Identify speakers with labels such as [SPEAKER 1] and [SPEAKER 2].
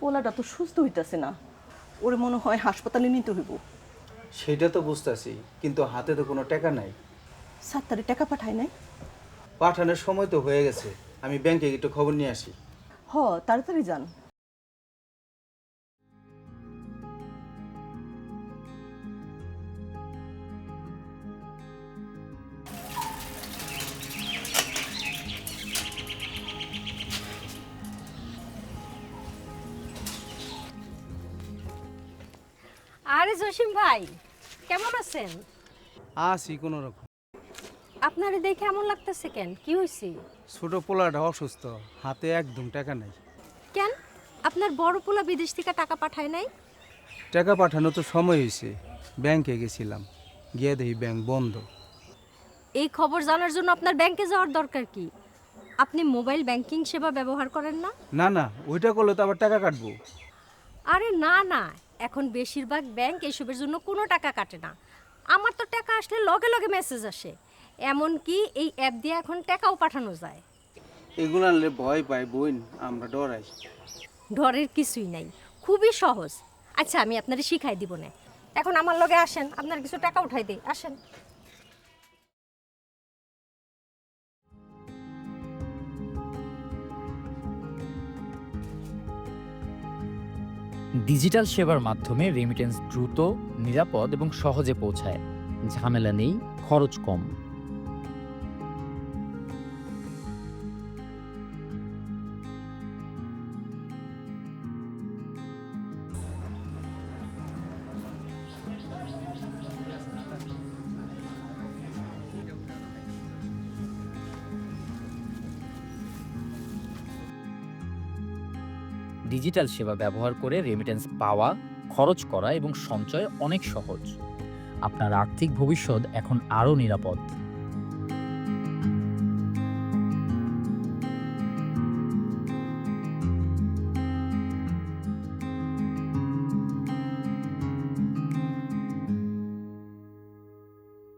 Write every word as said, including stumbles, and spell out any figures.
[SPEAKER 1] পোলাটা তো সুস্থ হইতাছে না, ওরে মনে হয় হাসপাতালে নিতে হইব।
[SPEAKER 2] সেটা তো বুঝতেছি, কিন্তু হাতে তো কোনো টাকা নাই।
[SPEAKER 1] সাত্তারে টাকা পাঠায় নাই?
[SPEAKER 2] পাঠানোর সময় তো হয়ে গেছে, আমি ব্যাংকে একটু খবর নিয়ে আসি।
[SPEAKER 1] হ, তাড়াতাড়ি যান।
[SPEAKER 3] আরে জসিম ভাই, কেমন আছেন?
[SPEAKER 2] আসি কোনো রকম।
[SPEAKER 3] আপনারে দেখে এমন লাগতেছে কেন? কি হয়েছে?
[SPEAKER 2] ছোট পোলাটা অসুস্থ, হাতে একদম টাকা নাই।
[SPEAKER 3] কেন আপনার বড় পোলা বিদেশ থেকে টাকা পাঠায় নাই?
[SPEAKER 2] টাকা পাঠানো তো সময় হয়েছে, ব্যাংকে গেছিলাম, গিয়ে দেখি ব্যাংক বন্ধ।
[SPEAKER 3] এই খবর জানার জন্য আপনার ব্যাংকে যাওয়ার দরকার কি? আপনি মোবাইল ব্যাংকিং সেবা ব্যবহার করেন না?
[SPEAKER 2] না না, ওইটা করলে তো আবার টাকা কাটবো।
[SPEAKER 3] আরে না না, এখন বেশিরভাগ ব্যাংক এসবের জন্য কোনো টাকা কাটে না। আমার তো টাকা আসলে লগে লগে মেসেজ আসে, এমনকি এই অ্যাপ দিয়ে এখন টাকাও পাঠানো যায়।
[SPEAKER 2] এগুলো আনলে ভয় পাই বোন, আমরা ডরাই।
[SPEAKER 3] ডরের কিছুই নাই, খুবই সহজ। আচ্ছা, আমি আপনারে শিখাই দিব না, এখন আমার লগে আসেন, আপনার কিছু টাকা উঠাই দিই, আসেন।
[SPEAKER 4] ডিজিটাল সেবার মাধ্যমে রেমিটেন্স দ্রুত, নিরাপদ এবং সহজে পৌঁছায়। ঝামেলা নেই, খরচ কম। ডিজিটাল সেবা ব্যবহার করে রেমিটেন্স পাওয়া, খরচ করা এবং সঞ্চয় অনেক সহজ। আপনার আর্থিক ভবিষ্যৎ এখন আরও নিরাপদ।